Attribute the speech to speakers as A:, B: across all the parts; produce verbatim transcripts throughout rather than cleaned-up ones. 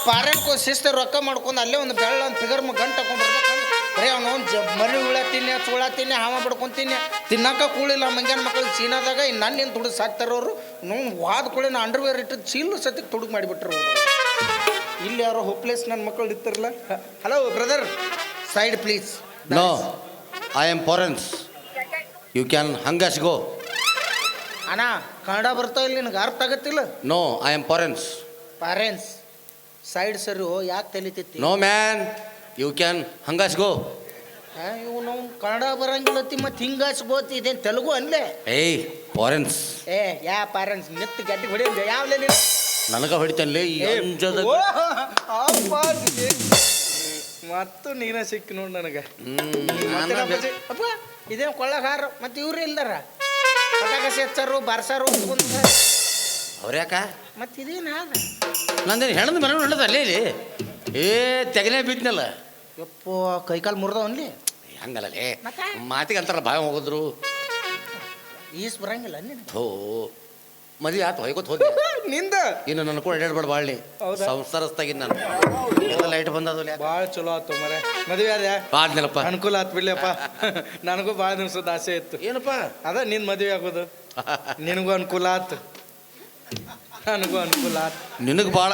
A: ಪಾರ್ಯಾನ್ಕೋ ಶಿಸ್ತ ರೊಕ್ಕ ಮಾಡ್ಕೊಂಡು ಅಲ್ಲೇ ಒಂದು ಬೆಳ್ಳ ಒಂದು ಫಿಗರ್ ಗಂಟು ಹಾಕೊಂಡ್ ಬರ್ಬೇಕಂದ್ರೆ ಬರೀ ಅವನು ಜ ಮರಿ ಹುಳ ತಿನ್ನೆ ಚೂಳ ತಿನ್ನೆ ಹಾವ ಬಿಡ್ಕೊಂತೀನಿ ತಿನ್ನಕ ಕೂಳಿಲ್ಲ ಮಂಗ್ಯಾನ ಮಕ್ಕಳು ಚೀನಾದಾಗ ಇನ್ನು ನನ್ನ ಏನು ತುಡುಗ್ ಸಾಕ್ತಾರವ್ರು ನೋವು ವಾದ ಕೂಳಿ ನಾ ಅಂಡರ್ವೇರ್ ಇಟ್ಟು ಚೀಲು ಸತಿಗೆ ತುಡುಗ್ ಮಾಡಿಬಿಟ್ರು ಅವರು ಇಲ್ಲಿ ಯಾರೋ ಹೋಪ್ಲೆಸ್ ನನ್ನ ಮಕ್ಕಳು ಇರ್ತಾರಲ್ಲ hello brother side please
B: no I am foreigners you can ಹಂಗಸ್ ಗೋ
A: ಅಣ್ಣ ಕನ್ನಡ ಬರ್ತಾವ ಇಲ್ಲಿ ನಿನಗೆ ಅರ್ಥ ಆಗತ್ತಿಲ್ಲ
B: no I am foreigners
A: foreigners side ಸರಿ ಓ ಯಾಕೆ ತಲಿತೈತಿ
B: ನೋ ಮ್ಯಾನ್ ಯು ಕ್ಯಾನ್ ಹಂಗಸ್ ಗೋ
A: ಇವು ನಾವು ಕನ್ನಡ ಬರಂಗಿಲ್ಲತ್ತಿ ಮತ್ತೆ ಹಿಂಗಾಸ್ಬೋತಿ ಇದೇನು ತೆಲುಗು ಅನ್ಲೇ
B: ಏಯ್ ಫಾರೆನ್ಸ್
A: ಏ ಯಾ ಪಾರೆನ್ಸ್ ನಿತ್ತು ಗಟ್ಟಿ ಹೊಡಿ ಯಾವ್ಲೇ ನೀನು
B: ನನಗ ಹೊಡಿತಾನೆ
A: ಮತ್ತು ನೀನ ಸಿಕ್ಕಿ ನೋಡಿ ನನಗೆ ಅಪ್ಪ ಇದೇನು ಕೊಳ್ಳಗಾರ ಮತ್ತೆ ಇವ್ರು ಇಲ್ದಾರ ಪಟಾಕಸಿ ಹಚ್ಚಾರು ಬಾರ್ಸಾರು
B: ಅವ್ರ್ಯಾಕ
A: ಮತ್ತೆ ಇದೇನು ಆದ
B: ನಂದೇನು ಹೆಣದ ಮನೆ ನಡೆದ ಅಲ್ಲೇ ಇಲ್ಲಿ ಏ ತೆಗನೇ ಬಿದ್ನಲ್ಲ
A: ಯಪ್ಪೋ ಕೈಕಾಲು ಮುರಿದವನ್ಲಿ
B: ಹಂಗಲ್ಲೇ ಮಾತಿಗೆ ಅಂತಾರ ಬಾಯ ಹೋಗಿದ್ರು
A: ಈಸ್ ಬರಂಗಿಲ್ಲ ನೀನು
B: ಹೋ ಮದುವೆ ಆತು ಹೊಯ್ಕೋತ ಹೋದೆ
A: ನಿಂದ
B: ಇನ್ನು ನನ್ನ ಕೂಡ ಎಡಾಡ್ಬೇಡ ಬಾಳ್ನಿ ಸಂಸಾರಸ್ತಾಗಿನ್ ನಾನು ಎಲ್ಲ ಲೈಟ್ ಬಂದದ
A: ಭಾಳ ಚಲೋ ಆತು ಮರೆ ಮದುವೆ ಅದ
B: ಆದ್ನಲ್ಲಪ್ಪ
A: ಅನುಕೂಲ ಆತ್ ಬಿಡ್ಲಿಯಪ್ಪ ನನಗೂ ಭಾಳ ದಿವ್ಸದ ಆಸೆ ಇತ್ತು
B: ಏನಪ್ಪ
A: ಅದ ನಿನ್ ಮದುವೆ ಆಗೋದು ನಿನಗೂ ಅನುಕೂಲ ಆತು ನನಗೂ ಅನುಕೂಲ ಆತು
B: ನಿನಗೆ ಭಾಳ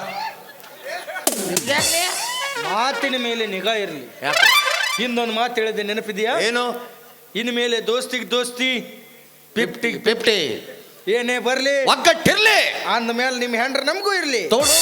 A: ಮಾತಿನ ಮೇಲೆ ನಿಗಾ ಇರಲಿ
B: ಯಾಕೆ
A: ಹಿಂದೊಂದು ಮಾತು ಹೇಳಿದೆ ನೆನಪಿದೆಯಾ
B: ಏನು
A: ಇನ್ನು ಮೇಲೆ ದೋಸ್ತಿಗೆ ದೋಸ್ತಿ
B: ಫಿಫ್ಟಿ ಫಿಫ್ಟಿ
A: ಏನೇ ಬರ್ಲಿ
B: ಒಗ್ಗಟ್ಟಿರ್ಲಿ
A: ಅಂದ ಮೇಲೆ ನಿಮ್ಮ ಹೆಂಡ್ರ ನಮಗೂ ಇರ್ಲಿ
B: ತೋಡು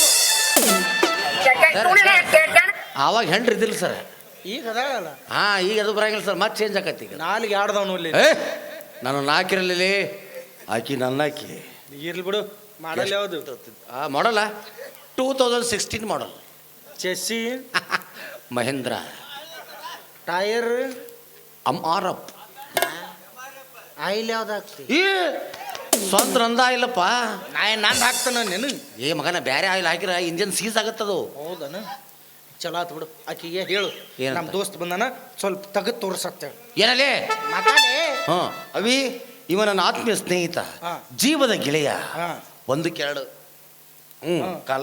B: ಆವಾಗ ಹೆಂಡ್ರಿ ಇದಿಲ್ಲ ಸರ್
A: ಈಗ ಅದಾಳಲ್ಲ
B: ಹಾ ಈಗ ಅದು ಬರಂಗಿಲ್ಲ ಸರ್ ಮತ್ತೆ ಚೇಂಜ್ ಆಕತಿ ಈಗ
A: ನಾಲಿಗೆ ಆಡ್ದವನು ಇಲ್ಲಿ
B: ಏ ನಾನು ನಾಕಿರಲಿ ಆಕಿ ನನ್ನ ಆಕಿ
A: ಇರ್ಲಿ ಬಿಡು ಮಾಡಲ್ ಯಾವುದು
B: ಆ ಮಾಡಲ್ಲ two thousand sixteen model
A: chassis
B: Mahindra
A: tyre
B: ಅಮ್ ಆರ್ ಅಪ್
A: ಆಯಿಲ್ ಯಾವ್ದು ಹಾಕ್ತಿ
B: ಈ ಸ್ವಂತ ನಂದ ಇಲ್ಲಪ್ಪ
A: ನಾ ನಂದು ಹಾಕ್ತಾನ ನೆನು
B: ಏ ಮಗನ ಬೇರೆ ಆಯಿಲ್ ಹಾಕಿರ ಇಂಜನ್ ಸೀಸ್ ಆಗತ್ತದು
A: ಹೌದನ ಚಲೋ ಆತು ಬಿಡು ಆಕಿಗೆ ಹೇಳು
B: ಏನಂತ?
A: ನಮ್ಮ ದೋಸ್ತ್ ಬಂದಾನ ಸ್ವಲ್ಪ ತೆಗೆದು ತೋರ್ಸತ್ತೇಳು
B: ಏನಲ್ಲೇ
A: ಮಾತಾಡೇ
B: ಹಾ ಅವಿ ಇವ ನನ್ನ ಆತ್ಮೀಯ ಸ್ನೇಹಿತ
A: ಹಾ.
B: ಜೀವದ ಗೆಳೆಯ
A: ಹಾ
B: ಒಂದು ಕೆರಡು ಹ್ಞೂ
A: ಹಾ.
B: ಕಾಲ್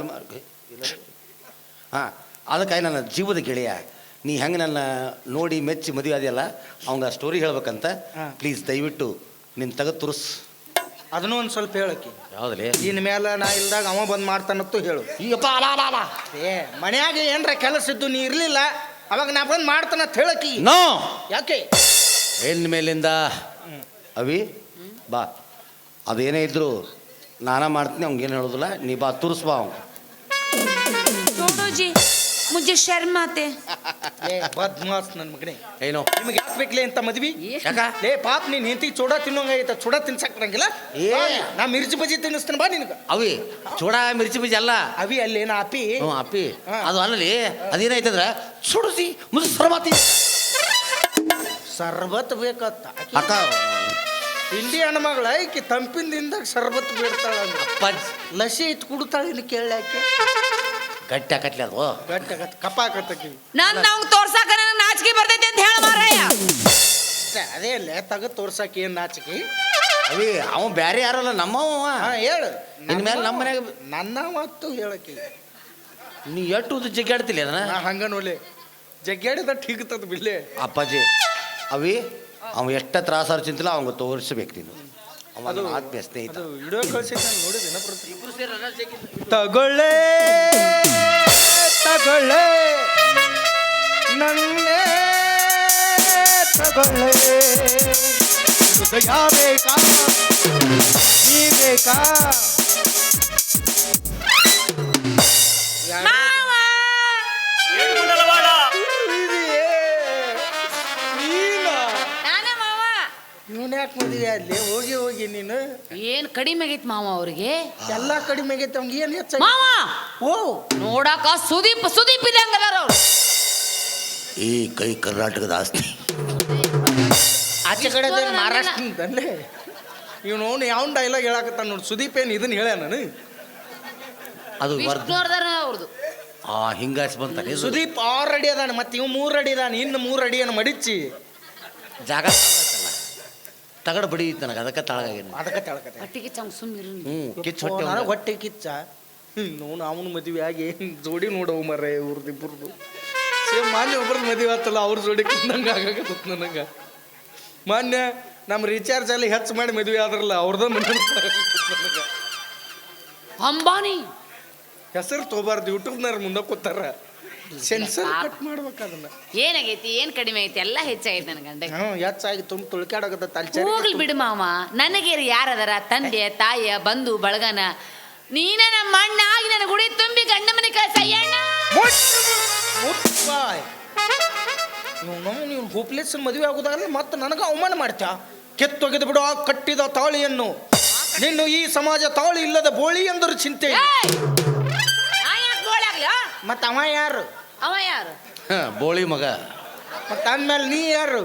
B: ಹಾಂ ಅದಕ್ಕಾಗಿ ನನ್ನ ಜೀವದ ಗೆಳೆಯ ನೀ ಹೆಂಗೆ ನನ್ನ ನೋಡಿ ಮೆಚ್ಚಿ ಮದುವೆ ಅದೆಯಲ್ಲ ಅವಂಗ ಸ್ಟೋರಿ ಹೇಳ್ಬೇಕಂತ
A: ಹಾ.
B: ಪ್ಲೀಸ್ ದಯವಿಟ್ಟು ನಿನ್ನ ತೆಗೆದು ತುರ್ಸ್
A: ಅದನ್ನೂ ಒಂದು ಸ್ವಲ್ಪ ಹೇಳಕ್ಕಿ
B: ಯಾವುದಲ್ಲಿ
A: ಇನ್ ಮೇಲೆ ನಾ ಇಲ್ದಾಗ ಅವ ಬಂದು ಮಾಡ್ತಾನತ್ತು ಹೇಳು
B: ಈಗಪ್ಪ ಅಲ ಅಲ ಅಲ
A: ಏ ಮನ್ಯಾಗ ಏನ್ರ ಕೆಲಸ ಇದ್ದು ನೀ ಇರ್ಲಿಲ್ಲ ಅವಾಗ ನಾ ಬಂದು ಮಾಡ್ತಾನತ್ ಹೇಳಕ್ಕಿ
B: ನೋ
A: ಯಾಕೆ
B: ಹೆಣ್ಣ ಮೇಲಿಂದ ಅವಿ ಬಾ ಅದೇನೇ ಇದ್ರು ನಾನ ಮಾಡ್ತೀನಿ ಅವ್ನಿಗೇನು ಹೇಳೋದಿಲ್ಲ ನೀ ಬಾ ತುರ್ಸ್ ಬಾ ಅವ್ನು
C: छोड़ो जी मुझे शर्म आते
A: ಏ ಬದ್ಮಾಸ್ ನನ್ನ ಮಗನೇ
B: ಏನೋ
A: ನಿಮಗೆ ಯಾಕೆ ಬೇಕಲೇ ಅಂತ ಮದ್ವಿ
B: ಯಾಕ
A: ಲೇ ಪಾಪ ನೀನ್ ಹೆಂಡತಿ ಚೂಡ ತಿನ್ನೋಂಗ ಐತ ಚೂಡ ತಿನ್ಸಕ್ರಂಗಿಲ್ಲ
B: ಏ.
A: ಬಾ, ನಾ ಮಿರ್ಚಿ ಬಜ್ಜಿ ತಿನ್ನಿಸ್ತೀನಿ ಬಾ ನಿನಗ
B: ಅವಿ ಚೂಡ ಮಿರ್ಚಿ ಬೀಜ ಅಲ್ಲ
A: ಅವಿ ಅಲ್ಲಿ ಏನ ಅಪಿ
B: ಹ್ಞೂ ಅಪ್ಪಿ
A: ಹಾ.
B: ಅದು ಅಲ್ಲಲ್ಲಿ ಅದೇನಾಯ್ತಂದ್ರ ಸುಡಿಸಿ ಮುದ್ದು ಸರ್ಬಾತಿ
A: ಸರ್ಬತ್ ಬೇಕತ್ತ
B: ಅಕ್ಕ
A: ತಿಂಡಿ ಹಣ್ಣು ಮಗಳ ಈಕಿ ತಂಪಿಂದಿಂದಾಗ ಸರ್ಬತ್ ಬೇಡ್ತಾಳ ಅಂದ್ರೆ
B: ಅಪ್ಪ
A: ಲಸಿ ಐತ್ ಕುಡ್ತಾಳ ಇಲ್ಲಿ ಕೇಳಾಕೆ
B: ಗಟ್ಟಿ ಆಕತ್ಲಿ ಅದು
A: ಗಟ್ಟಿ ಆಗತ್ತ ಕಪ್ಪ ಆಗತ್ತಕಿ
C: ನನ್ ನಾವು ತೋರ್ಸಾಕ ನನಗೆ ನಾಚಿಕೆ ಬರ್ತೈತೆ ಅಂತ ಹೇಳ ಮಾರಾಯ
A: ಅದೇ ಅಲ್ಲೇ ತಗದ್ ತೋರ್ಸಾಕ ಏನ್ ನಾಚಿಕೆ
B: ಅವಿ ಅವ ಬ್ಯಾರೆ ಯಾರಲ್ಲ ನಮ್ಮವ
A: ಹಾ ಹೇಳು
B: ಇನ್ಮೇಲೆ ನಮ್ಮ ಮನ್ಯಾಗ
A: ನನ್ನ ಮತ್ತು ಹೇಳಕಿ
B: ನೀ ಎಷ್ಟು ಉದ್ದ ಜಗ್ಗಾಡ್ತಿಲ್ಲ ಅದನ್ನ
A: ನಾ ಹಂಗ ನೋಡ್ಲಿ ಜಗ್ಗಾಡಿದ ಠೀಕ್ತದ ಬಿಡ್ಲೆ
B: ಅಪ್ಪಾಜಿ ಅವಿ ಅವ ಎಷ್ಟ ತ್ರಾಸಾರ ಚಿಂತಿಲ್ಲ ಅವಂಗ ತೋರಿಸ್ಬೇಕು ನೀನು ಅವ ನನ್ನ ಆತ್ಮೀಯ ಸ್ನೇಹಿತ
A: ಅದು ವಿಡಿಯೋ ಕಳ್ಸಿದ್ ನಾನು ನೋಡಿದ್ದೇನೆ ತಗೊಳ್ಳೆ ತಗೊಳ್ಳೆ ನನ್ನೇ ತಗೊಳ್ಳೆ ಹೃದಯ ಬೇಕಾ ನೀ ಬೇಕಾ
C: ಮಾವ ನಾನೇ ಮಾವ
A: ಇವನ್ ಯಾಕೆ ಮದುವೆ ಅಲ್ಲಿ ಹೋಗಿ ಹೋಗಿ ನೀನು
C: ಏನ್ ಕಡಿಮೆ ಆಗೈತ್ ಮಾವ ಅವ್ರಿಗೆ
A: ಎಲ್ಲ ಕಡಿಮೆ ಆಗೈತೆ ಅವ್ನಿಗೆ ಏನು ಹೆಚ್ಚಾಗಿ
C: ಮಾವ
A: ಓ
C: ನೋಡಾಕ ಸುದೀಪ್ ಸುದೀಪ್ ಇದ್ದಂಗದಾರ ಅವ್ರು
B: ಈ ಕೈ ಕರ್ನಾಟಕದ ಆಸ್ತಿ
A: ಆಚೆ ಕಡೆ ಮಹಾರಾಷ್ಟ್ರದಲ್ಲೇ ಇವನು ಅವನು ಯಾವ ಡೈಲಾಗ್ ಹೇಳಕತ್ತಾನ ನೋಡಿ ಸುದೀಪ್ ಏನು ಇದನ್ನ ಹೇಳ್ಯ ನಾನು
B: ಅದು
C: ವಿಷ್ಣುವರ್ಧನ ಅವ್ರದ್ದು
B: ಆ ಹಿಂಗಾಸಿ ಬಂತಾನೆ
A: ಸುದೀಪ್ ಆರು ಅಡಿ ಅದಾನ ಮತ್ತೆ ಇವ್ ಮೂರು ಅಡಿ ಅದಾನ ಇನ್ನು ಮೂರು ಅಡಿಯನ್ನು ಮಡಿಚಿ
B: ಜಾಗ ತಗಡ ಬಡಿ ನನಗೆ ಅದಕ್ಕೆ ತಳಗಾಗೇನು
A: ಅದಕ್ಕೆ ತಳ್ಕತ್ತೆ
C: ಹೊಟ್ಟಿಗೆ ಚಂಗ್ ಸುಮ್ಮಿರು
B: ಹ್ಞೂ ಕಿಚ್ಚು ಹೊಟ್ಟೆ
A: ನನಗೆ ಹೊಟ್ಟೆ ಕಿಚ್ಚ ನೋವು ಅವನ ಮದುವೆ ಆಗಿ ಜೋಡಿ ನೋಡವು ಮರ ಇವ್ರದ್ದು ಇಬ್ಬರದು ಸೇಮ್ ಮಾನ್ಯ ಒಬ್ರದ್ದು ಮದುವೆ ಆತಲ್ಲ ಅವ್ರ ಜೋಡಿ ಕುಂದಂಗೆ ಆಗಾಕತ್ತ ನನಗೆ ಮಾನ್ಯ ನಮ್ಮ ರೀಚಾರ್ಜ್ ಅಲ್ಲಿ ಹೆಚ್ಚು ಮಾಡಿ ಮದುವೆ ಆದ್ರಲ್ಲ ಅವ್ರದ ನನಗೆ
C: ಅಂಬಾನಿ
A: ಹೆಸರು ತಗೋಬಾರ್ದು ಯೂಟ್ಯೂಬ್ನಾರ ಮುಂದೆ ಕೂತಾರ ಸೆನ್ಸರ್ ಕಟ್ ಮಾಡ್ಬೇಕು ಅದನ್ನ
C: ಏನಾಗೈತಿ ಏನ್ ಕಡಿಮೆ ಐತಿ ಎಲ್ಲ ಹೆಚ್ಚಾಗೈತಿ ನನ್ನ ಗಂಡ
A: ಹ್ಞೂ ಹೆಚ್ಚಾಗಿ ತುಂಬ ತುಳ್ಕಾಡೋಗತ್ತ ತಲ್ಚಾರಿ
C: ಹೋಗ್ಲಿ ಬಿಡು ಮಾವ ನನಗೆ ಯಾರದರ ತಂದೆ ತಾಯಿಯ ಬಂಧು ಬಳಗನ ನೀನ ನಮ್ಮ ಅಣ್ಣ ಆಗಿ ನನ್ನ ಗುಡಿ ತುಂಬಿ ಗಂಡ ಮನೆ ಕಳ್ಸಯ್ಯಣ್ಣ
A: ನಾವು ನೀವು ಹೋಪ್ಲೆಸ್ ಮದುವೆ ಆಗೋದಾಗಲ್ಲ ಮತ್ತೆ ನನಗೆ ಅವಮಾನ ಮಾಡ್ತ್ಯಾ ಕೆತ್ತೊಗೆದು ಬಿಡು ಆ ಕಟ್ಟಿದ ತಾಳಿಯನ್ನು ನಿನ್ನು ಈ ಸಮಾಜ ತಾಳಿ ಇಲ್ಲದ ಬೋಳಿ ಎಂದರು ಚಿಂತೆ ಮತ್ತ ಅವ ಯಾರು
C: ಅವ ಯಾರು
B: ಹ, ಬೋಳಿ ಮಗ
A: ಮತ್ತ ಅಂದ್ಮೇಲೆ ನೀ ಯಾರು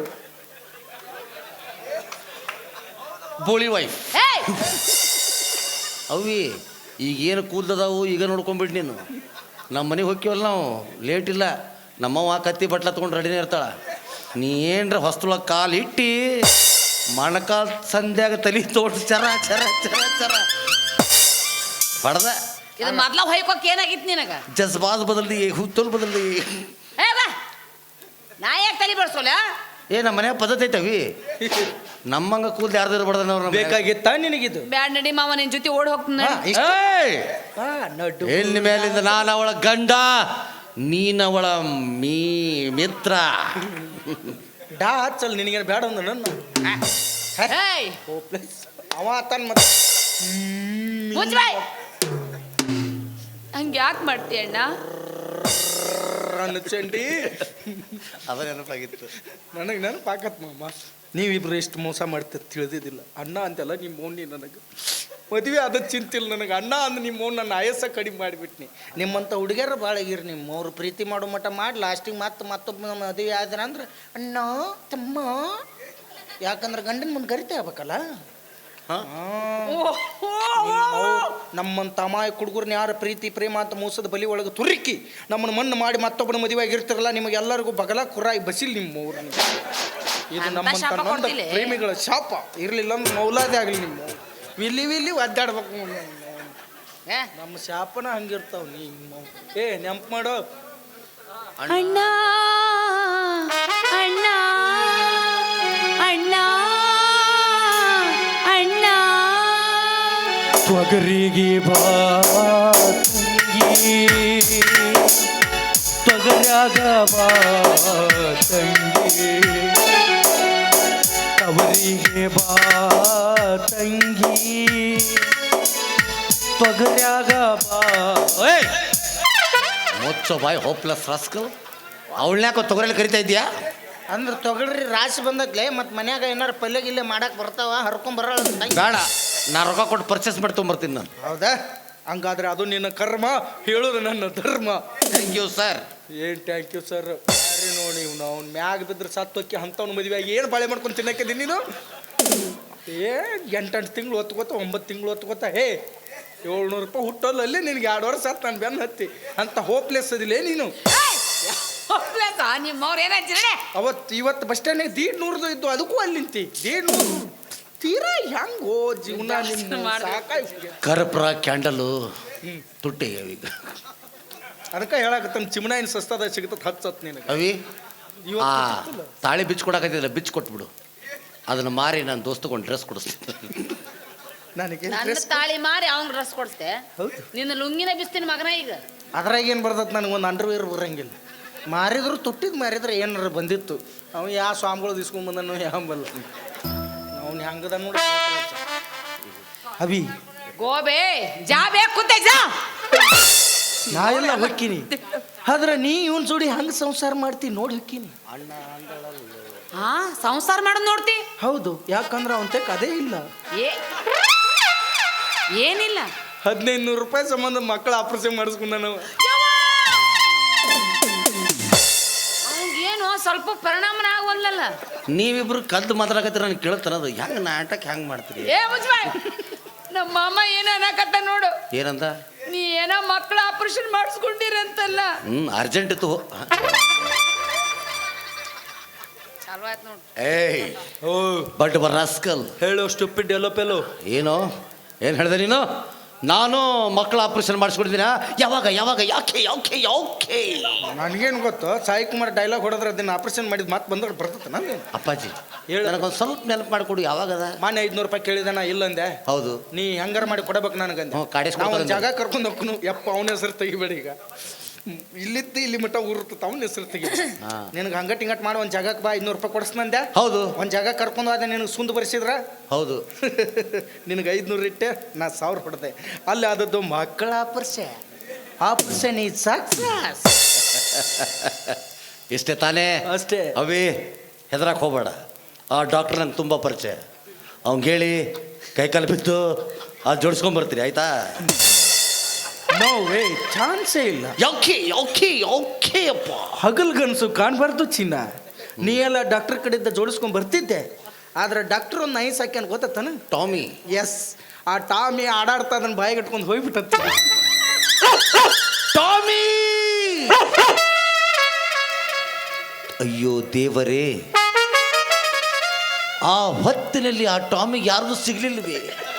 B: ಬೋಳಿ ವೈಫ್
C: ಏಯ್!
B: ಅವಿ ಈಗೇನು ಕೂದಲದಾವು ಈಗ ನೋಡ್ಕೊಂಬಿಟ್ಟು ನೀನು ನಮ್ಮ ಮನೆಗೆ ಹೋಗ್ತೀವಲ್ಲ ನಾವು ಲೇಟ್ ಇಲ್ಲ ನಮ್ಮವ್ವ ಕತ್ತಿ ಬಟ್ಲ ತೊಗೊಂಡು ರೆಡಿನೇ ಇರ್ತಾಳ ನೀ ಏನ್ರ ಹೊಸ್ತೊಳಗೆ ಕಾಲು ಇಟ್ಟು ಮಣಕಾಲ್ ಸಂಧ್ಯಾಗ ತಲೆ ತೋಟ ಚರ ಚರ ಚರ ಚರ ಹೊಡೆದ
C: ಇದು ಮೊದ್ಲ ಹೊಯ್ಕೋಕ್ ಏನಾಗಿತ್ತು ನಿನಗ
B: ಜಜ್ಬಾದ್ ಬದಲ್ದಿ ಹುತ್ತಲ್ ಬದಲ್ದಿ
C: ಏ ಬಾ ನಾ ಯಾಕೆ ತಲೆ ಬಡ್ಸೋಲ್ಲ
B: ಏ ನಮ್ಮ ಮನೆ ಪದ್ಧತಿ ಐತವಿ ನಮ್ಮಂಗ ಕೂದಲು ಯಾರ್ದಾರು ಬಡ್ದನವ್ರ
A: ಬೇಕಾಗಿತ್ತ ನಿನಗಿದು
C: ಬ್ಯಾಡ್ ನಡಿ ಮಾವ ನಿನ್ ಜೊತೆ ಓಡ್ ಹೋಗ್ತೀನಿ
A: ಹಾ, ಇಷ್ಟ? ಹಾ, ನಡು.
B: ಎಲ್ಲಿ ಮೇಲಿಂದ ನಾನು ಅವಳ ಗಂಡ ನೀನವಳ ಮೀ ಮಿತ್ರ
A: ಡಾ ಹಚ್ಚಲ್ ನಿನಗೇನು ಬೇಡ ಅಂದ ನನ್ನ
C: ಏಯ್
A: ಹೋಪ್ಲೆಸ್ ಅವ ಆತನ್ ಮತ್ತೆ
C: ಮುಚ್ಚ್ ಬಾಯ್ ಹಂಗೆ ಯಾಕೆ ಮಾಡ್ತೀಯ ಅಣ್ಣ
A: ರನ್ನ ಚಂಡಿ
B: ಅದ ನೆನಪಾಗಿತ್ತು
A: ನನಗೆ ನೆನಪಾಕತ್ ಮಾಮ ನೀವಿಬ್ರು ಎಷ್ಟು ಮೋಸ ಮಾಡ್ತೀರ ತಿಳಿದಿದ್ದಿಲ್ಲ ಅಣ್ಣ ಅಂತೆಲ್ಲ ನಿಮ್ಮ ಮೌನಿ ನನಗೆ ಮದುವೆ ಅದ ಚಿಂತಿಲ್ಲ ನನಗೆ ಅಣ್ಣ ಅಂದ್ ನಿಮ್ಮ ಮೌನ್ ನನ್ನ ಆಯಸ್ಸ ಕಡಿಮೆ ಮಾಡಿಬಿಟ್ನಿ ನಿಮ್ಮಂಥ ಹುಡುಗಿಯರು ಭಾಳ ಆಗಿರಿ ನಿಮ್ಮ ಅವ್ರು ಪ್ರೀತಿ ಮಾಡೋ ಮಟ್ಟ ಮಾಡಿ ಲಾಸ್ಟಿಗೆ ಮತ್ತೆ ಮತ್ತೊಬ್ಬ ಮದುವೆ ಆದ್ರ ಅಂದ್ರೆ ಅಣ್ಣ ತಮ್ಮ ಯಾಕಂದ್ರೆ ಗಂಡನ ಮುಂದೆ ಕರಿತಾ ಆಗ್ಬೇಕಲ್ಲ ನಮ್ಮಂತ ಅಮಾಯಕ ಹುಡುಗರ್ನ ಯಾರ ಪ್ರೀತಿ ಪ್ರೇಮ ಅಂತ ಮೋಸದ ಬಲಿ ಒಳಗೆ ತುರುಕಿ ನಮ್ಮನ್ನು ಮಣ್ಣು ಮಾಡಿ ಮತ್ತೊಬ್ಬನ ಮದುವೆ ಆಗಿರ್ತಿರಲ್ಲ ನಿಮಗೆಲ್ಲರಿಗೂ ಬಗಲ ಕುರಾಯಿ ಬಸಿಲ್ ನಿಮ್ಮ ಊರು ಇದು
C: ಅಂತ
A: ನಮ್ಮಂತ
C: ಶಾಪ
A: ನೊಂದ
C: ಕೊಡ್ತಿಲ್ಲ?
A: ಪ್ರೇಮಿಗಳ ಶಾಪ ಇರ್ಲಿಲ್ಲ ಅಂದ್ರೆ ಮೌಲಾದೆ ಆಗಲಿ ನಿಮ್ಮ ವಿಲ್ಲಿ ವಿಲ್ಲಿ ಒದ್ದಾಡ್ಬೇಕು
C: ಏ?
A: ನಮ್ಮ ಶಾಪನ ಹಂಗಿರ್ತಾವ ನೀ ಏ ನೆಂಪು ಮಾಡೋ
C: ಅಣ್ಣ ಅಣ್ಣ ಅಣ್ಣ ಅಣ್ಣ
D: ತೊಗರಿಗೆ ಬಾ ತಂಗಿ ತೊಗರ್ಯಾಗ ಬಾ ತಂಗಿ ತವರಿಗೆ ಬಾ ತಂಗಿ ತೊಗರ್ಯಾಗ ಬಾ
B: ಏಯ್ ಮುಚ್ಚೋ ಬಾಯ್ ಹೋಪ್ಲೆಸ್ ರಾಸ್ಕಲ್ ಅವಳನ್ಯಾಕ ತೊಗರಲ್ಲಿ ಕರಿತಾ ಇದೀಯಾ
A: ಅಂದ್ರೆ ತೊಗಳ್ರಿ ರಾಶಿ ಬಂದತ್ಲೆ ಮತ್ತು ಮನ್ಯಾಗ ಏನಾರು ಪಲ್ಯ ಗಿಲ್ಲೆ ಮಾಡಕ್ಕೆ ಬರ್ತಾವ ಹರ್ಕೊಂಬರ
B: ಬೇಡ ನಾ ರೊಕ್ಕ ಕೊಟ್ಟು ಪರ್ಚೇಸ್ ಮಾಡಿ ತೊಗೊಂಬರ್ತೀನಿ ನಾನು
A: ಹೌದಾ ಹಂಗಾದ್ರೆ ಅದು ನಿನ್ನ ಕರ್ಮ ಹೇಳೋದು ನನ್ನ ಧರ್ಮ
B: ಥ್ಯಾಂಕ್ ಯು ಸರ್
A: ಏನು ಥ್ಯಾಂಕ್ ಯು ಸರ್ ಯಾರಿ ನೋಡಿ ಇವ್ನು ಅವ್ನು ಮ್ಯಾಗ ಬಿದ್ರೆ ಸತ್ತೋಕ್ಕಿ ಅಂಥವ್ನ ಮದುವೆ ಆಗಿ ಏನು ಬಾಳೆ ಮಾಡ್ಕೊಂಡು ತಿನ್ನಕ್ಕಿದ್ದೀನಿ ನೀನು ಏ ಎಂಟೆಂಟು ತಿಂಗಳು ಹೊತ್ಕೋತ ಒಂಬತ್ತು ತಿಂಗಳು ಹೊತ್ಕೋತ ಹೇ ಏಳ್ನೂರು ರೂಪಾಯಿ ಹುಟ್ಟೋಲ್ಲಲ್ಲಿ ನಿನಗೆ ಎರಡು ವರ್ಷ ಸತ್ತು ನಾನು ಬೆನ್ನು ಹತ್ತಿ ಅಂತ ಹೋಪ್ಲೆಸ್ ಅದಿಲ್ಲೇ ನೀನು
C: ನಿಮ್ಮವ್ರು ಏನಾಯ್ತು
A: ಅವತ್ತು ಇವತ್ತು ಬಸ್ ಸ್ಟ್ಯಾಂಡಿಗೆ ದೀಡ್ ನೂರದು ಇದ್ದು ಅದಕ್ಕೂ ಅಲ್ಲಿ ನಿಂತಿ ದೀಡ್ ನೂರು ತೀರಾ ಹೆಂಗೋ ಜೀವನ ನಿಮ್ಮ ಸಾಕಾಗಿ
B: ಕರ್ಪೂರ ಕ್ಯಾಂಡಲು ತುಟ್ಟಿ ಅವೀಗ
A: ಅದಕ್ಕೆ ಹೇಳಕತ್ತ ಚಿಮಣಾಯಿನ ಸಸ್ತದ ಸಿಗ್ತದೆ ಹಚ್ಚತ್ ನಿನಗೆ
B: ಅವಿ ಆ
A: ಇವತ್ತು
B: ತಾಳಿ ಬಿಚ್ಚು ಕೊಡಕತ್ತಿಲ್ಲ ಬಿಚ್ಚು ಕೊಟ್ಬಿಡು ಅದನ್ನ ಮಾರಿ ನಾನು ದೋಸ್ತಗೊಂಡು ಡ್ರೆಸ್ ಕೊಡಿಸ್ತೀನಿ
A: ನನಗೆ
C: ನನ್ನ ತಾಳಿ ಮಾರಿ ಅವ್ನ ಡ್ರೆಸ್ ಕೊಡ್ತೆ
A: ಹೌದು
C: ನಿನ್ನ ಲುಂಗಿನ ಬಿಸ್ತೀನಿ ಮಗನ ಈಗ
A: ಅದ್ರಾಗ ಏನು ಬರ್ತದೆ ನನಗೆ ಒಂದು ಅಂಡರ್ವೇರ್ ಬರಂಗಿಲ್ಲ ಮಾರಿದ್ರು ತುಟ್ಟಿದ್ ಮಾರಿದ್ರೆ ಏನಾರ ಬಂದಿತ್ತು ಅವ ಯಾವ ಸ್ವಾಮಿಗಳು ಇಸ್ಕೊಂಬಂದನು ಯಾವ ಬಲ್ಲ ಅವ್ನು ಹೆಂಗದ ನೋಡಿ ಅಭಿ
C: ಗೋಬೆ ಜಾ ಬೇಕು ಕುಂತೆ ಜಾ
A: ನಾ ಎಲ್ಲ ಹೊಕ್ಕಿನಿ ಆದ್ರೆ ನೀ ಇವನ್ ಜೋಡಿ ಹಂಗೆ ಸಂಸಾರ ಮಾಡ್ತೀನಿ ನೋಡಿ ಹೊಕ್ಕಿನಿ
C: ಹಾ ಸಂಸಾರ ಮಾಡೋದು ನೋಡ್ತಿ
A: ಹೌದು ಯಾಕಂದ್ರೆ ಅವನ ತೆಕ್ ಅದೇ ಇಲ್ಲ
C: ಏ ಏನಿಲ್ಲ
A: ಹದಿನೈದು ನೂರು ರೂಪಾಯಿ ಸಂಬಂಧ ಮಕ್ಕಳ ಆಪರೇಷನ್ ಮಾಡಿಸ್ಕೊಂಡ ನಾವು
C: ಅವ್ನಿಗೇನು ಸ್ವಲ್ಪ ಪರಿಣಾಮನ ಆಗವಲ್ಲಲ್ಲ
B: ನೀವಿಬ್ರು ಕದ್ದು ಮಾತಾಡಕತ್ತೀರ ನನಗೆ ಕೇಳ್ತಾನದು ಹೆಂಗೆ ನಾಟಕ ಹೆಂಗೆ ಮಾಡ್ತೀರಿ
C: ಏ ಮುಜ್ಬಾಯ್ ನಮ್ಮ ಮಾಮ ಏನ ಅನ್ನಕತ್ತ ನೋಡು
B: ಏನಂತ
C: ನೀ ಏನೋ ಮಕ್ಕಳ ಆಪರೇಷನ್ ಮಾಡಿಸ್ಕೊಂಡಿರಂತಲ್ಲ
B: ಹ್ಞೂ ಅರ್ಜೆಂಟ್ ಇತ್ತು
C: ಚಲೋ ಆಯ್ತು ನೋಡು
B: ಏಯ್
A: ಓ
B: ಬಟ್ ಬರ್ ರಾಸ್ಕಲ್
A: ಹೇಳು ಸ್ಟುಪಿಡ್ ಎಲ್ಲೋ ಪೆಲೋ
B: ಏನೋ ಏನು ಹೇಳಿದೆ ನೀನು ನಾನು ಮಕ್ಕಳ ಆಪರೇಷನ್ ಮಾಡಿಸ್ಕೊಡ್ತೀನ ಯಾವಾಗ ಯಾವಾಗ ಯಾಕೆ ಯಾಕೆ ಯಾಕೆ
A: ನನಗೇನು ಗೊತ್ತು ಸಾಯಿ ಕುಮಾರ್ ಡೈಲಾಗ್ ಹೊಡೆದ್ರೆ ಅದನ್ನ ಆಪರೇಷನ್ ಮಾಡಿದ್ ಮಾತು ಬಂದ್ರೆ ಬರ್ತದೆ ನಾನು
B: ಅಪ್ಪಾಜಿ
A: ಹೇಳು.
B: ನನಗೊಂದು ಸ್ವಲ್ಪ ನೆನಪು ಮಾಡಿಕೊಡು ಯಾವಾಗದ
A: ಮಾನ್ಯ ಐದ್ನೂರು ರೂಪಾಯಿ ಕೇಳಿದೆ ನಾ ಇಲ್ಲಂದೆ
B: ಹೌದು
A: ನೀ ಹೆಂಗಾರ ಮಾಡಿ ಕೊಡಬೇಕು ನನಗಂದೆ
B: ಹ್ಞೂ, ಕಾಡಿಸ್ಕೊಡ್ತಾರೆ
A: ನಾವು ಒಂದು
B: ಅಂದೆ.
A: ಜಾಗ ಕರ್ಕೊಂಡು ಹೋಗ್ನು ಯಪ್ಪ ಅವನ ಹೆಸರು ತೆಗಿಬೇಡ ಈಗ ಹ್ಮ್, ಇಲ್ಲಿದ್ದು ಇಲ್ಲಿ ಮಟ್ಟ ಊರ್ತದ ಅವನ ಹೆಸರು ತೆಗಿ
B: ಹಾ.
A: ನಿನಗೆ ಹಂಗಟ್ ಹಿಂಗಟ್ ಮಾಡಿ ಒಂದು ಜಾಗಕ್ಕೆ ಬಾ ಐದ್ನೂರು ರೂಪಾಯಿ ಕೊಡಿಸ್ನಂದೆ
B: ಹೌದು
A: ಒಂದು ಜಾಗ ಕರ್ಕೊಂಡು ಹೋದ ನಿನಗೆ ಸುಂದ್ ಬರ್ಸಿದ್ರ
B: ಹೌದು
A: ನಿನಗೆ ಐದ್ನೂರು ಇಟ್ಟೆ ನಾ ಸಾವಿರ ಹೊಡೆದೆ ಅಲ್ಲಿ ಆದದ್ದು ಮಕ್ಕಳ ಆಪರೇಷನ್ ಆಪರೇಷನ್ ಈ ಸಕ್ಸಸ್
B: ಇಷ್ಟೇ ತಾನೇ
A: ಅಷ್ಟೇ
B: ಅವೇ ಹೆದರಕ್ಕೆ ಹೋಗಬೇಡ ಆ ಡಾಕ್ಟ್ರ್ ನಂಗೆ ತುಂಬ ಪರಿಚಯ ಅವ್ನಿಗೆ ಹೇಳಿ ಕೈಕಾಲು ಬಿದ್ದು ಅದು ಜೋಡಿಸ್ಕೊಂಬರ್ತೀರಿ ಆಯ್ತಾ
A: ನೋ ವೇ ಚಾನ್ಸೇ ಇಲ್ಲ
B: ಯಾಕೆ ಯಾಕೆ ಯಾಕೆ ಅಪ್ಪ
A: ಹಗಲ್ಗನ್ಸು ಕಾಣಬಾರ್ದು ಚಿನ್ನ ನೀ ಎಲ್ಲ ಡಾಕ್ಟರ್ ಕಡೆಯಿಂದ ಜೋಡಿಸ್ಕೊಂಡ್ ಬರ್ತಿದ್ದೆ ಆದ್ರೆ ಡಾಕ್ಟರ್ ಒಂದು ನೈಸ್ ಹಾಕ್ಯಾನ ಗೊತ್ತಾನ
B: ಟಾಮಿ
A: ಎಸ್ ಆ ಟಾಮಿ ಆಡಾಡ್ತಾ ಅದನ್ನ ಬಾಯಿಗೆ ಇಟ್ಕೊಂಡು ಹೋಗ್ಬಿಟ್ಟತ್ತ
B: ಟಾಮಿ ಅಯ್ಯೋ ದೇವರೇ ಆ ಹೊತ್ತಿನಲ್ಲಿ ಆ ಟಾಮಿಗೆ ಯಾರ್ದು ಸಿಗ್ಲಿಲ್ವೇ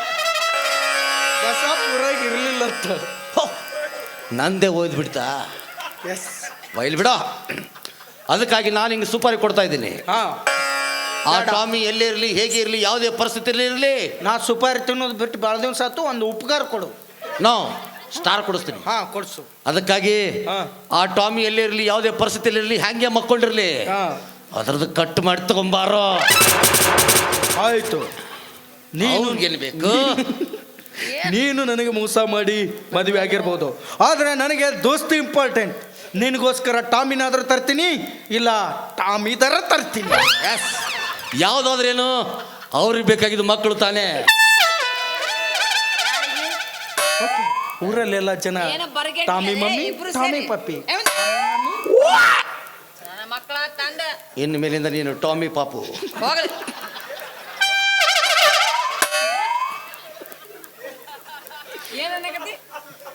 A: ಬಸಾಪುರಾಗ ಇರ್ಲಿಲ್ಲ ಅಂತ
B: ಹೋ, ನಂದೇ ಓದ್ಬಿಡ್ತಾ
A: ಎಸ್
B: ಬೈಲ್ ಬಿಡ ಅದಕ್ಕಾಗಿ ನಾನು ಹಿಂಗೆ ಸುಪಾರಿ ಕೊಡ್ತಾ ಇದ್ದೀನಿ
A: ಹಾ
B: ಆ ಟಾಮಿ ಎಲ್ಲೇ ಇರಲಿ ಹೇಗೆ ಇರಲಿ ಯಾವುದೇ ಪರಿಸ್ಥಿತಿಯಲ್ಲಿ ಇರಲಿ
A: ನಾ ಸುಪಾರಿ ತಿನ್ನೋದು ಬಿಟ್ಟು ಭಾಳ ದಿವಸ ಆತು ಒಂದು ಉಪಕಾರ ಕೊಡು
B: ನೋ ಸ್ಟಾರ್ ಕೊಡಿಸ್ತೀನಿ
A: ಹಾ ಕೊಡ್ಸು
B: ಅದಕ್ಕಾಗಿ
A: ಹಾ.
B: ಆ ಟಾಮಿ ಎಲ್ಲೇ ಇರಲಿ ಯಾವುದೇ ಪರಿಸ್ಥಿತಿಯಲ್ಲಿ ಇರಲಿ ಹ್ಯಾಂಗೆ ಮಕ್ಕೊಂಡಿರಲಿ
A: ಹಾ
B: ಅದ್ರದ್ದು ಕಟ್ ಮಾಡಿ ತಗೊಂಬಾರೋ
A: ಆಯ್ತು ನೀನು
B: ನೀನು ಬೇಕು
A: ನೀನು ನನಗೆ ಮೋಸ ಮಾಡಿ ಮದುವೆ ಆಗಿರ್ಬೋದು ಆದರೆ ನನಗೆ ದೋಸ್ತಿ ಇಂಪಾರ್ಟೆಂಟ್ ನಿನಗೋಸ್ಕರ ಟಾಮಿನಾದ್ರೂ ತರ್ತೀನಿ ಇಲ್ಲ ಟಾಮಿ ಥರ ತರ್ತೀನಿ
B: ಯಾವುದಾದ್ರೇನು ಅವ್ರಿಗೆ ಬೇಕಾಗಿದ್ದು ಮಕ್ಕಳು ತಾನೇ
A: ಊರಲ್ಲೆಲ್ಲ ಜನ
C: ಏನೋ ಬರಗೆಟ್ಲೆ,
A: ಟಾಮಿ ಮಮ್ಮಿ
C: ಇಬ್ರು
A: ಟಾಮಿ
C: ಸೇರಿ.
A: ಪಪ್ಪಿ
C: ಏ, ನನ್ನ ಮಕ್ಕಳ ತಂದ
B: ಇನ್ನು ಮೇಲಿಂದ ನೀನು ಟಾಮಿ ಪಾಪು
C: ಹೋಗಲಿ ಏನನ್ನಕತ್ತಿ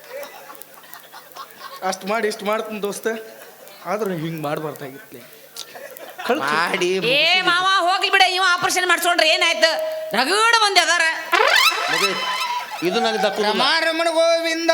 A: ಅಷ್ಟು ಮಾಡಿ ಇಷ್ಟು ಮಾಡ್ತೀನಿ ದೋಸ್ತ ಆದ್ರೆ ಹಿಂಗೆ ಮಾಡಬಾರ್ದಾಗಿತ್ತು
B: ಮಾಡಿ
C: ಏ ಮಾವ ಹೋಗ್ಲಿ ಬಿಡ ಇವ ಆಪರೇಷನ್ ಮಾಡ್ಸ್ಕೊಂಡ್ರೆ ಏನಾಯ್ತು ರಗಡ ಮಂದಿ ಅದಾರ
B: ಮದುವೆ ಇದು ನನಗೆ ದಕ್ಕು
A: ರಮಣ ಗೋವಿಂದ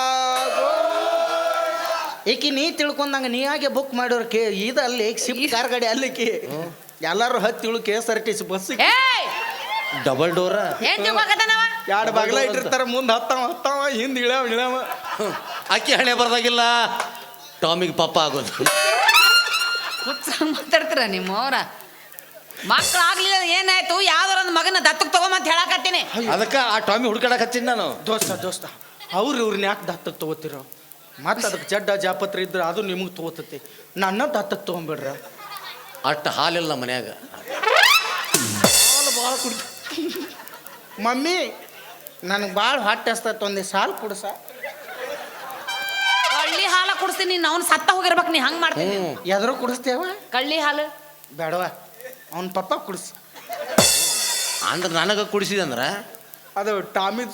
A: ಏಕಿ ನೀ ತಿಳ್ಕೊಂಡಂಗ ನೀ ಹಾಗೆ ಬುಕ್ ಮಾಡೋರು ಕೇ ಇದಲ್ಲಿ ಶಿಫ್ಟ್ ಕಾರ್ ಗಾಡಿ ಅಲ್ಲಿಕಿ ಎಲ್ಲಾರು ಹತ್ತಿ ಇಳು K S R T C bus
C: ಏಯ್
B: ಡಬಲ್ ಡೋರ
C: ಏನ್ ತಿಳ್ಕೊಕತ್ತಾನವ
A: ಎರಡು ಬಾಗ್ಲ ಇಟ್ಟಿರ್ತಾರ ಮುಂದೆ ಹತ್ತಾವ ಹತ್ತಾವ ಹಿಂದೆ ಇಳ್ಯಾವ ಇಳ್ಯಾವ
B: ಅಕ್ಕಿ ಹಣೆ ಬರ್ದಾಗಿಲ್ಲ ಟಾಮಿಗೆ ಪಾಪ ಆಗೋದು
C: ಹುಚ್ಚ ಮಾತಾಡ್ತೀರ ನಿಮ್ಮವ್ರ ಮಕ್ಳು ಆಗ್ಲಿಲ್ಲ ಏನಾಯ್ತು ಯಾವ್ದಾರ ಒಂದು ಮಗನ ದತ್ತಕ್ಕೆ ತಗೊಂಬಂತ ಹೇಳಕತ್ತೀನಿ
B: ಅದಕ್ಕೆ ಆ ಟಾಮಿ ಹುಡ್ಕಾಡಕ್ ಹಚ್ಚಿನಿ ನಾನು
A: ದೋಸ್ತ ದೋಸ್ತ ಅವ್ರು ಇವ್ರನ್ನ ಯಾಕೆ ದತ್ತಕ್ಕೆ ತಗೋತಿರೋ ಮತ್ತೆ ಅದಕ್ಕೆ ಜಡ್ಡ ಜಾಪತ್ರ ಇದ್ರೆ ಅದು ನಿಮಗೆ ತಗೋತತಿ ನನ್ನ ದತ್ತಕ್ಕೆ ತೊಗೊಂಬಿಡ್ರ
B: ಅಷ್ಟು ಹಾಲಿಲ್ಲ ಮನ್ಯಾಗ
A: ಹಾಲು ಭಾಳ ಕುಡಿ ಮಮ್ಮಿ ನನಗೆ ಭಾಳ ಹೊಟ್ಟೆ ಹಸ್ತೈತೆ ಒಂದೇ ಸಾಲು ಕುಡ್ಸ
C: ಕಳ್ಳಿ ಹಾಲ ಕುಡಿಸ್ತೀನಿ ಅವ್ನು ಸತ್ತ ಹೋಗಿರ್ಬೇಕು ನೀ ಹಂಗೆ ಮಾಡ್ತೀನಿ
B: ಹ್ಞೂ
A: ಎದ್ರು ಕುಡಿಸ್ತೇವ
C: ಕಳ್ಳಿ ಹಾಲು
A: ಬೇಡವ ಅವ್ನ ಪಪ್ಪ ಕುಡಿಸ್
B: ಅಂದ್ರೆ ನನಗೆ ಕುಡಿಸಿದೆ ಅಂದ್ರೆ
A: ಅದು ಟಾಮಿ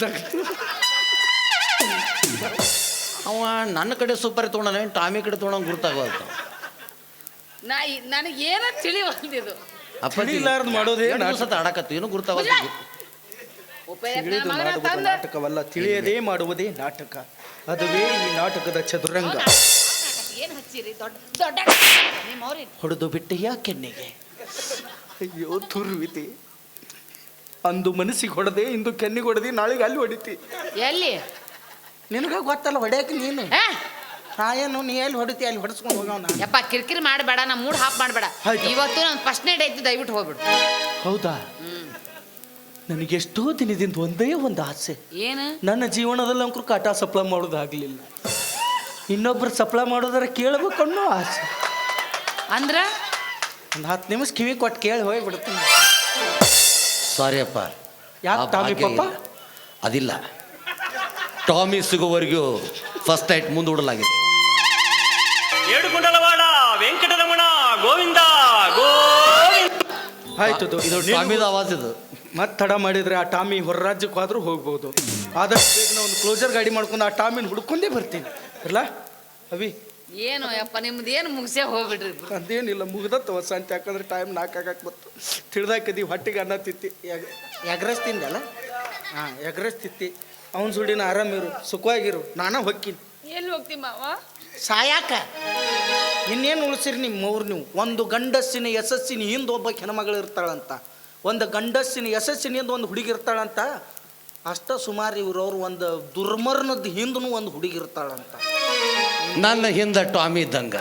B: ಅವ ನನ್ನ ಕಡೆ ಸೂಪರ್ ತೊಗೊಂಡಾನೆ ಟಾಮಿ ಕಡೆ ತೊಗೊಂಡು ಗುರ್ತಾಗೋದು
C: ನಾ ನನಗೆ ಏನೋ ತಿಳಿವಲ್ದಿದು
B: ಅಪ್ಪ
A: ತಿಳಿಲಾರ್ದು ಮಾಡೋದೇ
B: ಸತ ಆಡಕತ್ತು ಏನು ಗುರ್ತಾಗೋದು
A: ತಿಳಿದು ಮಾಡುವುದು ನಾಟಕವಲ್ಲ ತಿಳಿಯದೇ ಮಾಡುವುದೇ ನಾಟಕ ಅದುವೇ ಈ ನಾಟಕದ ಚದುರಂಗ
C: ಏನು ಹಚ್ಚಿರಿ ದೊಡ್ಡ ದೊಡ್ಡ ನಿಮ್ಮವ್ರಿ
A: ಹೊಡೆದು ಬಿಟ್ಟೆಯ ಕೆನ್ನೆಗೆ ಅಯ್ಯೋ ತುರ್ವಿತಿ ಅಂದು ಮನಸ್ಸಿಗೆ ಹೊಡೆದೆ ಇಂದು ಕೆನ್ನಿಗೆ ಹೊಡೆದಿ ನಾಳೆಗೆ ಅಲ್ಲಿ ಹೊಡಿತಿ
C: ಎಲ್ಲಿ
A: ನಿನಗ ಗೊತ್ತಲ್ಲ ಹೊಡ್ಯಾಕ ನೀನು
C: ಏ
A: ನಾ ಏನು ನೀ ಎಲ್ಲಿ ಹೊಡಿತಿ ಅಲ್ಲಿ ಹೊಡೆಸ್ಕೊಂಡು ಹೋಗವ ನಾನು
C: ಯಪ್ಪ ಕಿರಿಕಿರಿ ಮಾಡಬೇಡ ನಾ ಮೂಡ್ ಹಾಪ್ ಮಾಡಬೇಡ
A: ಆಯ್ತು.
C: ಇವತ್ತು ನನ್ನ ಫಸ್ಟ್ ನೈಟ್ ಐತಿ ದಯವಿಟ್ಟು ಹೋಗ್ಬಿಡು
A: ಹೌದಾ ನನಗೆ ಎಷ್ಟೋ ದಿನದಿಂದ ಒಂದೇ ಒಂದು ಆಸೆ
C: ಏನು
A: ನನ್ನ ಜೀವನದಲ್ಲಿ ಅಂಕರು ಕಾಟ ಸಪ್ಲ ಮಾಡೋದಾಗಲಿಲ್ಲ ಇನ್ನೊಬ್ರು ಸಪ್ಲ ಮಾಡೋದಾರ ಕೇಳಬೇಕು ಅನ್ನೋ ಆಸೆ
C: ಅಂದ್ರ
A: ಒಂದು ಹತ್ತು ನಿಮಿಷ ಕಿವಿ ಕೊಟ್ಟು ಕೇಳಿ ಹೋಗಿ ಬಿಡ್ತೀನಿ
B: ಸಾರಿ ಅಪ್ಪ
A: ಯಾಕೆ
B: ಆ
A: ಟಾಮಿ
B: ಭಾಗ್ಯ
A: ಪಪ್ಪ
B: ಇಲ್ಲ. ಅದಿಲ್ಲ ಟಾಮಿ ಸಿಗೋವರೆಗೂ ಫಸ್ಟ್ ನೈಟ್ ಮುಂದೂಡಲಾಗಿದೆ
E: ಏಡುಕೊಂಡಲವಾಡ ವೆಂಕಟರಮಣ ಗೋವಿಂದ ಗೋವಿಂದ.
A: ಆಯ್ತು
B: ಇದು ಟಾಮಿದ ಆವಾಜ್ ಇದು
A: ಮತ್ತೆ ತಡ ಮಾಡಿದ್ರೆ ಆ ಟಾಮಿ ಹೊರ ರಾಜ್ಯಕ್ಕೆ ಹೋದ್ರೂ ಹೋಗ್ಬೋದು ಆದಷ್ಟು ಬೇಗ ನಾವು ಒಂದು ಕ್ಲೋಸರ್ ಗಾಡಿ ಮಾಡ್ಕೊಂಡು ಆ ಟಾಮಿನ ಹುಡ್ಕೊಂಡೇ ಬರ್ತೀನಿ ಅಲ್ಲ ಅವಿ
C: ಏನು ಯಪ್ಪ ನಿಮ್ದು ಏನು ಮುಗಿಸೇ ಹೋಗ್ಬಿಡ್ರಿ
A: ಅದೇನಿಲ್ಲ ಮುಗ್ದತ್ತ ಹೊಸ ಅಂತ ಯಾಕಂದ್ರೆ ಟೈಮ್ ನಾಲ್ಕು ಆಗಕ್ಕೆ ಬತ್ತು ತಿಳಿದಾಕದಿ ಹೊಟ್ಟಿಗೆ ಅನ್ನ ತಿತ್ತಿ ಎಗ್ರೆಸ್ ತಿಂದಲ್ಲ ಹಾಂ ಎಗ್ರೆಸ್ ತಿತ್ತಿ ಅವನ ಸುಡಿನ ಆರಾಮಿರು ಸುಖವಾಗಿರು ನಾನ ಹೊಕ್ಕಿನಿ
C: ಎಲ್ಲಿ ಹೋಗ್ತಿ ಮಾವ
A: ಸಾಯಾಕ ಇನ್ನೇನು ಉಳಿಸಿರಿ ನಿಮ್ಮ ಮೂರು ನೀವು ಒಂದು ಗಂಡಸ್ಸಿನ ಯಶಸ್ಸಿನ ಹಿಂದೆ ಒಬ್ಬ ಹೆಣ್ಮಗಳು ಇರ್ತಾಳಂತ ಒಂದು ಗಂಡಸ್ಸಿನ ಯಶಸ್ಸಿನ ಹಿಂದೆ ಒಂದು ಹುಡುಗಿ ಇರ್ತಾಳಂತ ಅಷ್ಟ ಸುಮಾರು ಇವ್ರವ್ರು ಒಂದು ದುರ್ಮರಣದ ಹಿಂದೂ ಒಂದು ಹುಡುಗಿ ಇರ್ತಾಳಂತ
B: ನನ್ನ ಹಿಂದೆ ಟಾಮಿ ಇದ್ದಂಗ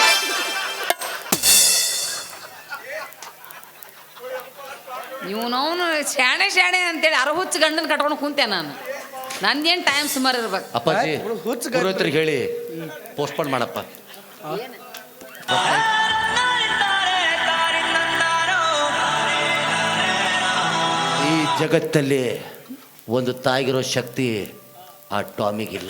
C: ಇವನವನು ಶಾಣೆ ಶಾಣೆ ಅಂತೇಳಿ ಅರ ಹುಚ್ಚ ಗಂಡನ ಕಟ್ಕೊಂಡು ಕುಂತೆ ನಾನು ನಂದೇನು ಟೈಮ್ ಸುಮಾರು ಇರ್ಬೇಕು
B: ಅಪ್ಪಾಜಿ
A: ಹುಡುಗ ಹುಚ್ಚ ಗಂಡ.
B: ಪುರೋಹಿತರಿಗೆ ಹೇಳಿ ಪೋಸ್ಟ್ಪೋನ್ ಮಾಡಪ್ಪ ಈ ಜಗತ್ತಲ್ಲಿ ಒಂದು ತಾಯಿಗಿರೋ ಶಕ್ತಿ ಆ ಟಾಮಿಗಿಲ್ಲ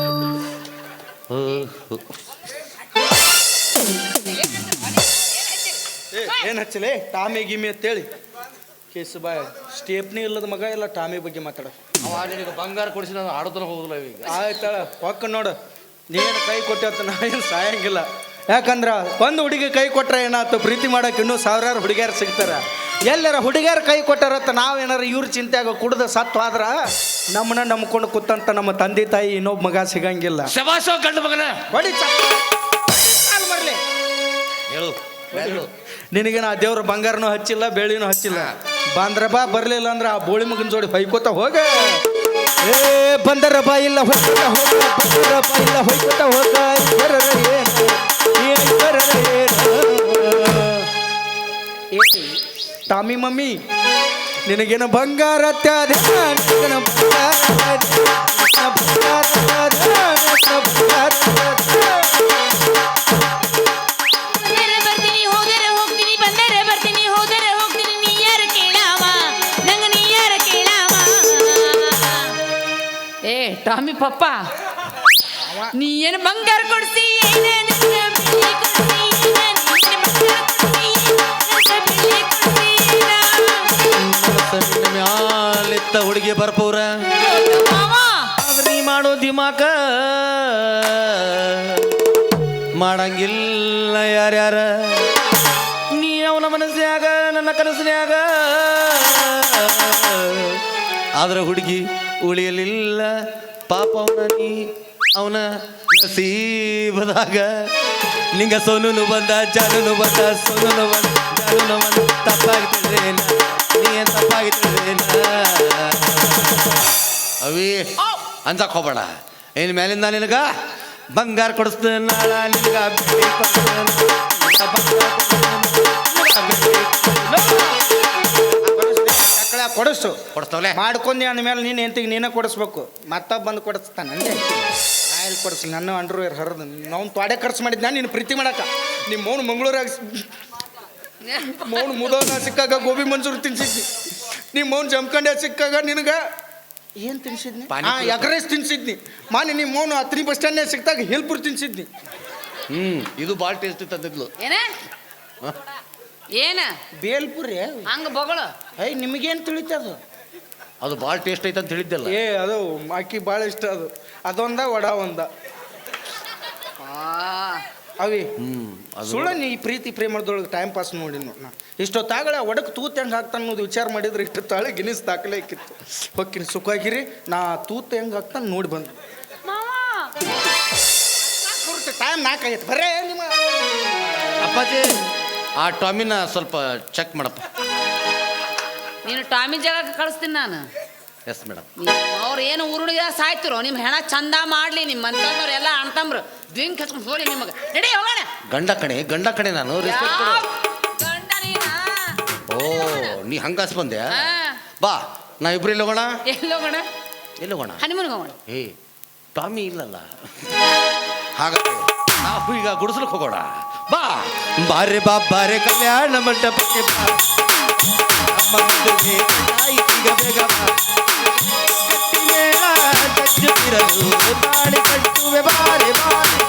A: ಏನು ಹಚ್ಚಲೇ ಟಾಮಿ ಗಿಮಿ ಅಂತೇಳಿ ಕೇಸು ಬಾಯ್ ಸ್ಟೇಪ್ನಿ ಇಲ್ಲದ ಮಗ ಇಲ್ಲ ಟಾಮಿ ಬಗ್ಗೆ ಮಾತಾಡ
B: ಅವ ನಿನಗೆ ಬಂಗಾರ ಕೊಡಿಸಿ ನಾನು ಆಡೋದನ್ನ ಹೋಗಲ್ಲ ಈಗ
A: ಆಯ್ತಾಳ ಹೊಕ್ಕ ನೋಡು ನೀನು ಕೈ ಕೊಟ್ಟೆ ನಾ ಏನು ಸಾಯಂಗಿಲ್ಲ ಯಾಕಂದ್ರೆ ಒಂದು ಹುಡುಗಿ ಕೈ ಕೊಟ್ರೆ ಏನಾಯ್ತು ಪ್ರೀತಿ ಮಾಡಕ್ಕೆ ಇನ್ನೂ ಸಾವಿರಾರು ಹುಡುಗಿಯರು ಸಿಗ್ತಾರ ಎಲ್ಲರ ಹುಡುಗಿಯರು ಕೈ ಕೊಟ್ಟಾರತ್ತ ನಾವೇನಾರ ಇವ್ರ ಚಿಂತೆಯಾಗ ಕುಡ್ದು ಸತ್ತು ಆದ್ರ ನಮ್ಮನ್ನ ನಂಬ್ಕೊಂಡು ಕೂತಂತ ನಮ್ಮ ತಂದೆ ತಾಯಿ ಇನ್ನೊಬ್ಬ ಮಗ ಸಿಗಂಗಿಲ್ಲ
B: ಶಬಾಷೋ ಗಂಡು ಮಗನ
A: ಹೊಡಿ ಬರಲಿ
B: ಹೇಳು ಹೇಳು
A: ನಿನಗೆ ನಾ ದೇವ್ರ ಬಂಗಾರನೂ ಹಚ್ಚಿಲ್ಲ ಬೆಳ್ಳಿನೂ ಹಚ್ಚಿಲ್ಲ ಬಂದ್ರ ಬಾ ಬರ್ಲಿಲ್ಲ ಅಂದ್ರೆ ಆ ಬೋಳಿ ಮಗನ ಜೋಡಿ ಹೊಯ್ಕೋತ ಹೋಗ ಏ ಬಂದರ ಬಾ ಇಲ್ಲ ಹೊಯ್ಕೋತ ಹೋಗ ಬಂದರ ಬಾ ಇಲ್ಲ ಹೊಯ್ಕೋತ ಹೋಗ ಬರರ ಏನು ಏ ಬರರ ಏನು ಏ ಟಾಮಿ ಮಮ್ಮಿ ನಿನಗೇನು ಬಂಗಾರ ತ್ಯಾದ ನಿನಗೇನು ಬಂಗಾರ ನಿನಗೇನು ಬಂಗಾರ ತ್ಯಾದ ನಿನಗೇನು ಬಂಗಾರ ತ್ಯಾದ.
C: ಬಂದರೆ ಬರ್ತೀನಿ ಹೋದರೆ ಹೋಗ್ತೀನಿ ಬಂದರೆ ಬರ್ತೀನಿ ಹೋದರೆ ಹೋಗ್ತೀನಿ ನೀ ಯಾರು ಕೇಳಾವ ನಂಗ ನೀ ಯಾರು ಕೇಳಾವ ಏ ಟಾಮಿ ಪಪ್ಪ ನೀ ಏನು ಬಂಗಾರ ಕೊಡ್ಸಿ ಏನ ನಿನ್ನ ಬೆಳ್ಳಿ ಕೊಡ್ಸಿ ಏನ ನೀನು ಬಂಗಾರ ಕೊಡ್ಸಿ ಏನ ಬೆಳ್ಳಿ ಕೊಡ್ಸಿ ಏನ
B: ನಿನ್ನ ಮ್ಯಾಲಿತ್ತ ಹುಡುಗಿ ಬರ್ಪೂರ
C: ಮಾವ
B: ಆದ್ರೆ ನೀ ಮಾಡೋ ದಿಮಾಕ ಮಾಡಂಗಿಲ್ಲ ಯಾರ್ಯಾರ ನೀ ಅವನ ಮನಸ್ಸಿನಾಗ ನನ್ನ ಕನಸಿನ್ಯಾಗ ಆದ್ರೆ ಹುಡುಗಿ ಉಳಿಯಲಿಲ್ಲ ಪಾಪ ಅವನ ನೀ ಅವನ ನಸೀಬದಾಗ ನಿಂಗ ಸೋನು ಬಂದ ಜಾನು ಬಂದ ಸೋನು ಬಂದ ಜಾನು ಬಂದ ತಪ್ಪಾಗಿ ತಿಳಿದೇನ ನೀ ಏನ್ ತಪ್ಪಾಗಿ ತಿಳಿದೇನ ಅವಿ ಅಂಜಕ್ ಹೋಗ್ಬೇಡ ಇನ್ ಮೇಲಿಂದ ನಿನಗ ಬಂಗಾರ ಕೊಡಿಸ್ತೇನೆ ನಾಳ ನಿನಗ ಬೆಳ್ಳಿ ಕೊಡಿಸ್ತೇನೆ, ನಿನಗ ಬಂಗಾರ ಕೊಡಿಸ್ತೇನೆ, ನಿನಗ ಬೆಳ್ಳಿ
A: ಮಕ್ಕಳ ಕೊಡಿಸು
B: ಕೊಡಿಸ್ತವಲೆ
A: ಮಾಡ್ಕೊಂಡಿ ಅಂದಮೇಲೆ ನೀನು ಎಂತಿಗೆ ನೀನೇ ಕೊಡಿಸ್ಬೇಕು ಮತ್ತೊಬ್ಬ ಬಂದು ಕೊಡಿಸ್ತಾನೆ ಅಂದೆ ಆಯ್ಲ್ ಕೊಡಿಸ್ಲಿ ನನ್ನ ಅಂಡ್ರವೇರ್ ಹರಿದು ನಾವು ತೊಡೆ ಖರ್ಚು ಮಾಡಿದ್ನ ನೀನು ಪ್ರೀತಿ ಮಾಡಕ ನಿಮ್ಮ ಮೌನ ಮಂಗಳೂರಾಗ ಮೌನ ಮುದೋನ ಸಿಕ್ಕಾಗ ಗೋಬಿ ಮಂಚೂರಿ ತಿನ್ಸಿದ್ನಿ ನಿಮ್ಮ ಮೌನ ಜಮ್ಕಂಡ್ಯ ಸಿಕ್ಕಾಗ ನಿನಗೆ ಏನು ತಿನ್ಸಿದ್ನಿ ಹಾಂ ಎಗ್ರೈಸ್ ತಿನ್ಸಿದ್ನಿ ಮಾನಿ ನಿಮ್ಮ ಮೌನ ಹತ್ತನೇ ಬಸ್ ಸ್ಟ್ಯಾಂಡ್ನಾಗ ಸಿಕ್ಕಾಗ ಹಿಲ್ಪುರ್ ತಿನ್ಸಿದ್ನಿ
B: ಹ್ಮ್ ಇದು ಭಾಳ ಟೇಸ್ಟ್ ತಂದಿದ್ಲು
C: ಏನ ಏನ
A: ಬೇಲ್ಪುರಿ
C: ಹಂಗ ಬಗಳು
A: ಐ ನಿಮಗೇನು ತಿಳಿತದು
B: ಅದು ಭಾಳ ಟೇಸ್ಟ್ ಐತೆ ಅಂತ ಹೇಳಿದ್ದಲ್ಲ
A: ಏ ಅದು ಆಕಿ ಭಾಳ ಇಷ್ಟ ಅದು ಅದೊಂದ ವಡ ಒಂದ ಅವಿ
B: ಹ್ಮ್ ಅದು
A: ಸುಳ್ಳ ನೀ ಈ ಪ್ರೀತಿ ಪ್ರೇಮದೊಳಗೆ ಟೈಮ್ ಪಾಸ್ ನೋಡಿ ನಾ ಇಷ್ಟೊತ್ತಾಗಳೆ ಒಡಕ್ ತೂತ್ ಹೆಂಗೆ ಹಾಕ್ತಾನೆ ಅನ್ನೋದು ವಿಚಾರ ಮಾಡಿದ್ರೆ ಇಷ್ಟೊತ್ತಾಳೆ ಗಿನಿಸ್ ದಾಖಲೆ ಇಕ್ಕಿತ್ತು ಹೊಕ್ಕಿನ ಸುಖಾಗಿರಿ ನಾ ತೂತ್ ಹೆಂಗೆ ಹಾಕ್ತಾನೆ ನೋಡಿ ಬಂದು ಟೈಮ್ ನಾಲ್ಕಾಗೈತೆ ಬರೇ ನಿಮ್ಮ
B: ಅಪ್ಪಾಜಿ ಆ ಟಾಮಿನ ಸ್ವಲ್ಪ ಚೆಕ್ ಮಾಡಪ್ಪ
C: ನೀನು ಟಾಮಿ ಜಾಗಕ್ಕೆ ಕಳಿಸ್ತೀನಿ ನಾನು
B: ಎಸ್ ಮೇಡಮ್
C: ಅವ್ರು ಏನು ಊರುಣಿಗೆ ಸಾಯ್ತಿರೋ ನಿಮ್ಮ ಹೆಣ ಚಂದ ಮಾಡಲಿ ನಿಮ್ಮ ಅಂತಂದವ್ರು ಎಲ್ಲ ಅಣ್ತಂಬ್ರು ದಿಂಗ್ ಹಚ್ಕೊಂಡು ಹೋಗಿ ನಿಮಗೆ ನಡಿ ಹೋಗೋಣ
B: ಗಂಡ ಕಣೆ ಗಂಡ ಕಣೆ ನಾನು ರೆಸ್ಪೆಕ್ಟ್ ಕೊಡು
C: ಗಂಡ ನೀನಾ?
B: ಓ ನೀ ಹಂಗಾಸ್ ಬಂದೆ
C: ಹಾ.
B: ಬಾ ನಾ ಇಬ್ರು ಎಲ್ಲಿ ಹೋಗೋಣ
C: ಎಲ್ಲಿ ಹೋಗೋಣ
B: ಎಲ್ಲಿ ಹೋಗೋಣ
C: ಹನಿಮೂನ್ಗೆ ಹೋಗೋಣ
B: ಏ ಟಾಮಿ ಇಲ್ಲಲ್ಲ ಹಾಗಾದ್ರೆ ನಾವು ಈಗ ಗುಡಿಸ್ಲಿಕ್ಕೆ ಹೋಗೋಣ ಬಾ ಬಾರೆ ಬಾ ಬಾರೆ ಕಲ್ಯಾಣ ಮಂಟಪಕ್ಕೆ ಬಾ ನಮ್ಮ ಮದುವೆ ಆಯ್ತೀಗ ಬೇಗ ಬಾ ಗಟ್ಟಿ ಮೇಳ ಗಜ್ಜು ಇರಲು ತಾಳಿ ಕಟ್ಟುವೆ ಬಾರೆ ಬಾರೆ